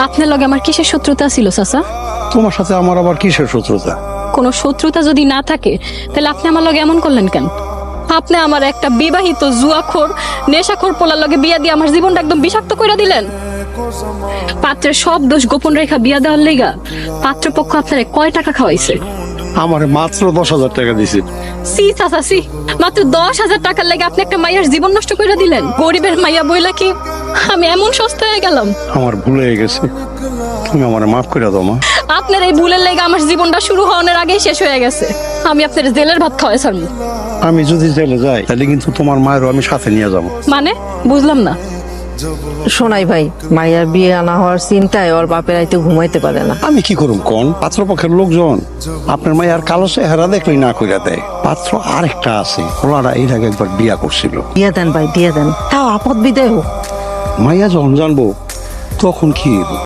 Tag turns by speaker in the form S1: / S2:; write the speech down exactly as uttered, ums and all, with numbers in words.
S1: আপনার লগে আমার কিসের শত্রুতা ছিল চাচা?
S2: তোমার সাথে আমার আবার কিসের শত্রুতা?
S1: কোনো শত্রুতা যদি না থাকে তাহলে আপনি আমার লগে এমন করলেন কেন? আপনি আমার একটা বিবাহিত জুয়াখোর নেশাখোর পোলার লগে বিয়া দিয়ে আমার জীবনটা একদম বিষাক্ত করে দিলেন। পাত্রের সব দোষ গোপন রেখা বিয়া দেওয়ার লেগা পাত্রপক্ষ আপনারে কয় টাকা খাওয়াইছে?
S2: আমার মাত্র দশ হাজার টাকা দিছি।
S1: সি চাচা সি, মাত্র দশ হাজার টাকার লেগে আপনি একটা মাইয়ার জীবন নষ্ট করে দিলেন। গরিবের মাইয়া বইলা কি আমি এমন সস্তা হয়ে গেলাম?
S2: আমার ভুল হয়ে গেছে, তুমি আমার মাফ করে দাও মা।
S1: আপনার এই ভুলের লেগে আমার জীবনটা শুরু হওয়ার আগেই শেষ হয়ে গেছে। আমি আপনার জেলের ভাত খাওয়াই ছাড়ব।
S2: আমি যদি জেলে যাই তাহলে কিন্তু তোমার মায়েরও আমি সাথে নিয়ে যাবো।
S1: মানে বুঝলাম না।
S3: শোনাই ভাই, মাইয়ার বিয়ে আনা হওয়ার চিন্তায় ওর বাপের রাইতে ঘুমাইতে পারে না।
S2: আমি কি করুম কোন? পাত্রপক্ষের লোকজন আপনার মায়ের কালো চেহারা দেখলেই না কইরা দেয়। পাত্র আরেকটা আছে, ওনারা এর আগে একবার বিয়া করছিল।
S3: দিয়ে দেন ভাই, দিয়ে দেন, তাও আপদ বিদায় হোক।
S2: মাইয়া যখন জানবো তখন কি হইব?